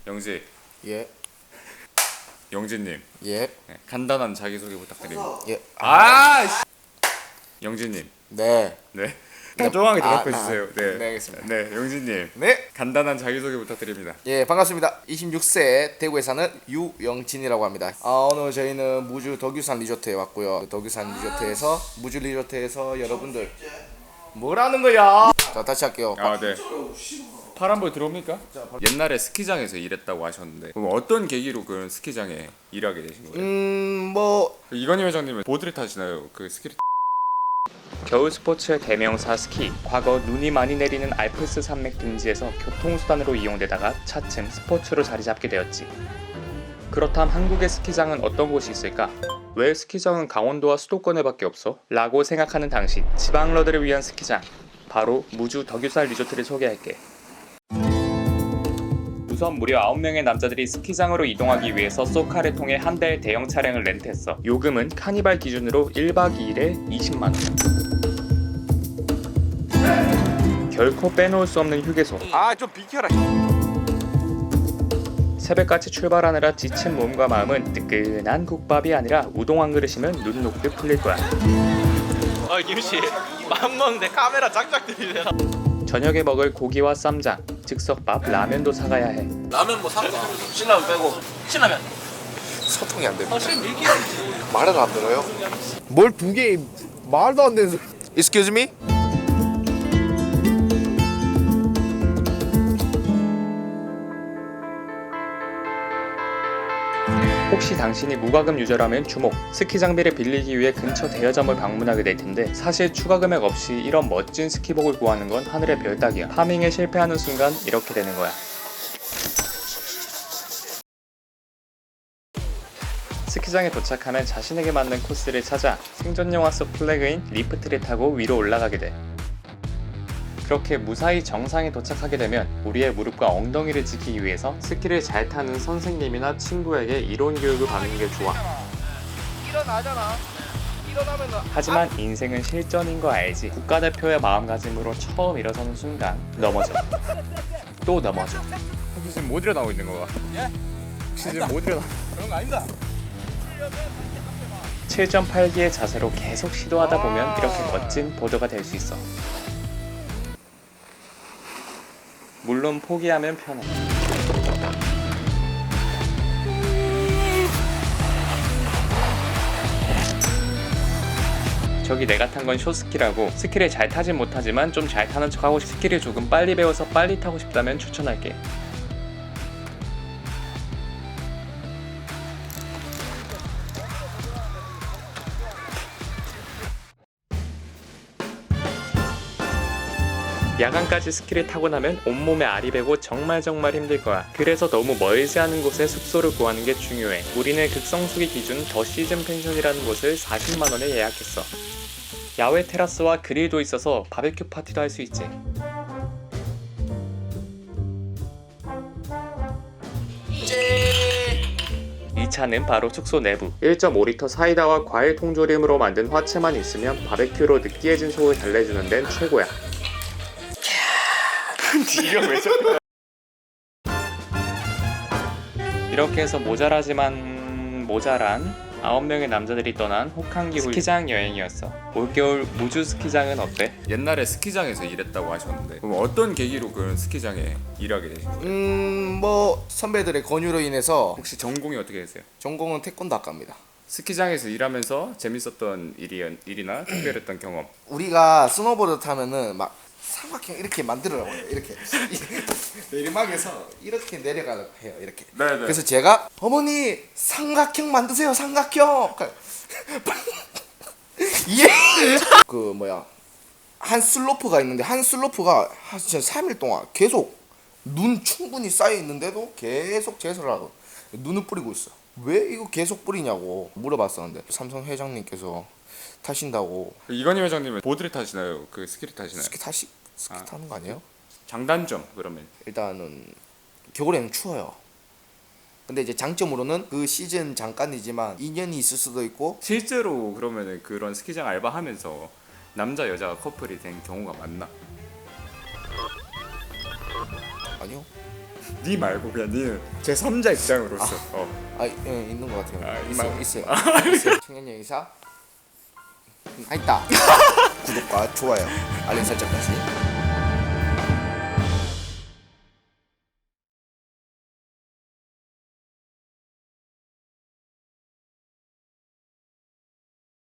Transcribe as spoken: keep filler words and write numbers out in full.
영지. 예. 영지님. 예. 네, 간단한 자기소개 부탁드립니다. 예. 아, 씨. 영지님. 네. 네. 다정하게 아, 대답해 주세요. 아, 네. 네, 알겠습니다. 네, 영지님. 네. 간단한 자기소개 부탁드립니다. 예, 반갑습니다. 이십육 세 대구에 사는 유영진이라고 합니다. 아, 오늘 저희는 무주 덕유산 리조트에 왔고요. 덕유산 리조트에서 무주 리조트에서 여러분들 뭐라는 거야? 자, 다시 할게요. 아, 네. 파란불 들어옵니까? 옛날에 스키장에서 일했다고 하셨는데 그럼 어떤 계기로 그런 스키장에 일하게 되신 거예요? 음, 뭐 이건희 회장님은 보드를 타시나요? 그 스키를 겨울 스포츠의 대명사 스키. 과거 눈이 많이 내리는 알프스 산맥 등지에서 교통수단으로 이용되다가 차츰 스포츠로 자리 잡게 되었지. 그렇다면 한국의 스키장은 어떤 곳이 있을까? 왜 스키장은 강원도와 수도권에밖에 없어? 라고 생각하는 당신, 지방러들을 위한 스키장, 바로 무주 덕유산 리조트를 소개할게. 우선 무려 아홉 명의 남자들이 스키장으로 이동하기 위해서 쏘카를 통해 한 대의 대형 차량을 렌트했어. 요금은 카니발 기준으로 일 박 이 일에 이십만 원. 결코 빼놓을 수 없는 휴게소. 아, 좀 비켜라. 새벽같이 출발하느라 지친 몸과 마음은 뜨끈한 국밥이 아니라 우동 한 그릇이면 눈 녹듯 풀릴 거야. 아 김씨 맘 먹는데 카메라 짝짝 들이대나. 저녁에 먹을 고기와 쌈장, 즉석밥, 라면도 사가야 해. 라면 뭐 살까? 신라면 빼고. 신라면. 소통이 안 됩니다. 아 지금 밀기. 말을 안 들어요? 뭘 두 개 말도 안 되는 소리. Excuse me? 혹시 당신이 무과금 유저라면 주목! 스키 장비를 빌리기 위해 근처 대여점을 방문하게 될 텐데 사실 추가 금액 없이 이런 멋진 스키복을 구하는 건 하늘의 별 따기야. 파밍에 실패하는 순간 이렇게 되는 거야. 스키장에 도착하면 자신에게 맞는 코스를 찾아 생존 영화 속 플래그인 리프트를 타고 위로 올라가게 돼. 그렇게 무사히 정상에 도착하게 되면 우리의 무릎과 엉덩이를 지키기 위해서 스키를 잘 타는 선생님이나 친구에게 이론 교육을 받는 게 좋아. 일어나잖아. 일어나면 하지만 인생은 실전인 거 알지? 국가대표의 마음가짐으로 처음 일어서는 순간 넘어져. 또 넘어져. 혹시 지금 못 일어나고 있는 거야? 예? 혹시 지금 못 일어나? 그런 거 아닙니다. 칠 점 팔 기의 자세로 계속 시도하다 보면 이렇게 멋진 보드가 될 수 있어. 물론 포기하면 편해. 저기 내가 탄 건 쇼스키라고 스키를 잘 타진 못하지만 좀 잘 타는 척하고 스키를 조금 빨리 배워서 빨리 타고 싶다면 추천할게. 야간까지 스키를 타고 나면 온몸에 알이 배고 정말 정말 힘들 거야. 그래서 너무 멀지 않은 곳에 숙소를 구하는 게 중요해. 우리는 극성수기 기준 더 시즌 펜션이라는 곳을 사십만 원에 예약했어. 야외 테라스와 그릴도 있어서 바베큐 파티도 할 수 있지. 이 차는 바로 숙소 내부. 일 점 오 리터 사이다와 과일 통조림으로 만든 화채만 있으면 바베큐로 느끼해진 속을 달래주는 데는 최고야. 네가 왜 저래? 이렇게 해서 모자라지만 모자란 아홉 명의 남자들이 떠난 호캉기 스키장 여행이었어. 올겨울 무주 스키장은 어때? 옛날에 스키장에서 일했다고 하셨는데 그럼 어떤 계기로 그런 스키장에 일하게 되신 거예요? 음, 뭐 선배들의 권유로 인해서 혹시 전공이 어떻게 되세요? 전공은 태권도 학과입니다. 스키장에서 일하면서 재밌었던 일이, 일이나 특별했던 경험. 우리가 스노보드 타면은 막 삼각형 이렇게 만들어요. 이렇게 내리막에서 이렇게 내려가려고 해요. 이렇게. 네네. 그래서 제가 어머니 삼각형 만드세요. 삼각형. 예. 그 뭐야 한 슬로프가 있는데 한 슬로프가 한 진짜 삼 일 동안 계속 눈 충분히 쌓여 있는데도 계속 제설을 하고 눈을 뿌리고 있어. 왜 이거 계속 뿌리냐고 물어봤었는데 삼성 회장님께서 타신다고. 이건희 회장님은 보드를 타시나요? 그 스키를 타시나요? 스키 타시 스키 아. 타는 거 아니에요? 장단점 그러면 일단은 겨울에는 추워요. 근데 이제 장점으로는 그 시즌 잠깐이지만 인연이 있을 수도 있고. 실제로 그러면은 그런 스키장 알바하면서 남자 여자가 커플이 된 경우가 많나? 아니요. 니 말고 그냥 니는 제 삼자 입장으로서. 어. 아, 예, 있는 것 같아요. 아, 있어요, 막- 있어요. 있어요. 청년 여기사. 음, 아 있다. 구독과 좋아요, 알림 설정까지.